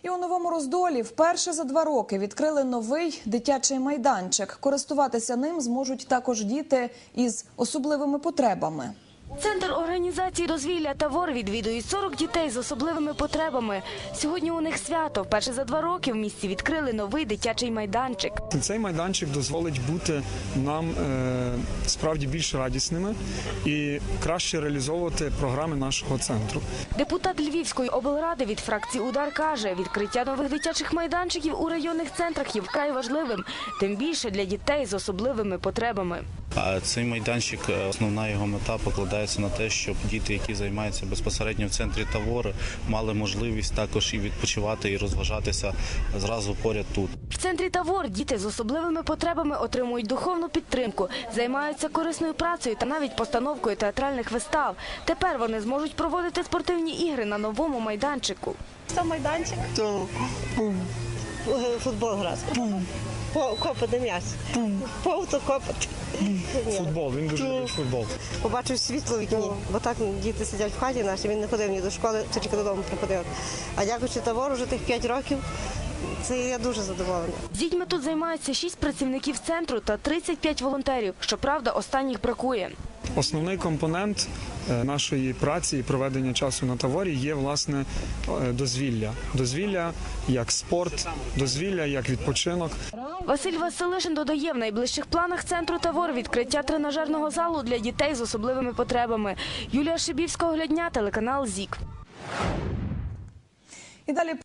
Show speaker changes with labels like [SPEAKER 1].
[SPEAKER 1] І у Новому Роздолі вперше за 2 роки відкрили новий дитячий майданчик. Користуватися ним зможуть також діти із особливими потребами.
[SPEAKER 2] Центр організації дозвілля «Тавор» відвідують 40 дітей з особливими потребами. Сьогодні у них свято. Вперше за 2 роки в місті відкрили новий дитячий майданчик.
[SPEAKER 3] Цей майданчик дозволить бути нам справді більш радісними і краще реалізовувати програми нашого центру.
[SPEAKER 2] Депутат Львівської облради від фракції «Удар» каже, відкриття нових дитячих майданчиків у районних центрах є вкрай важливим, тим більше для дітей з особливими потребами.
[SPEAKER 4] Цей майданчик, основна його мета покладається на те, щоб діти, які займаються безпосередньо в центрі «Тавор», мали можливість також і відпочивати, і розважатися зразу поряд тут.
[SPEAKER 2] В центрі «Тавор» діти з особливими потребами отримують духовну підтримку, займаються корисною працею та навіть постановкою театральних вистав. Тепер вони зможуть проводити спортивні ігри на новому майданчику.
[SPEAKER 5] Це майданчик, футбол грати, копати м'яч, повто копати.
[SPEAKER 3] Футбол, він дуже любить футбол.
[SPEAKER 5] Побачив світло в вікні, бо так діти сидять в хаті наші, він не ходив ні до школи, тільки додому приходив. А дякуючи «Тавору» вже тих 5 років, це я дуже задоволена.
[SPEAKER 2] З дітьми тут займаються 6 працівників центру та 35 волонтерів. Щоправда, останніх бракує.
[SPEAKER 3] Основний компонент нашої праці і проведення часу на «Таворі» є, власне, дозвілля. Дозвілля як спорт, дозвілля як відпочинок.
[SPEAKER 2] Василь Василишин додає, в найближчих планах центру «Тавор» відкриття тренажерного залу для дітей з особливими потребами. Юлія Шибівська, Оглядня, телеканал ЗІК.
[SPEAKER 1] І далі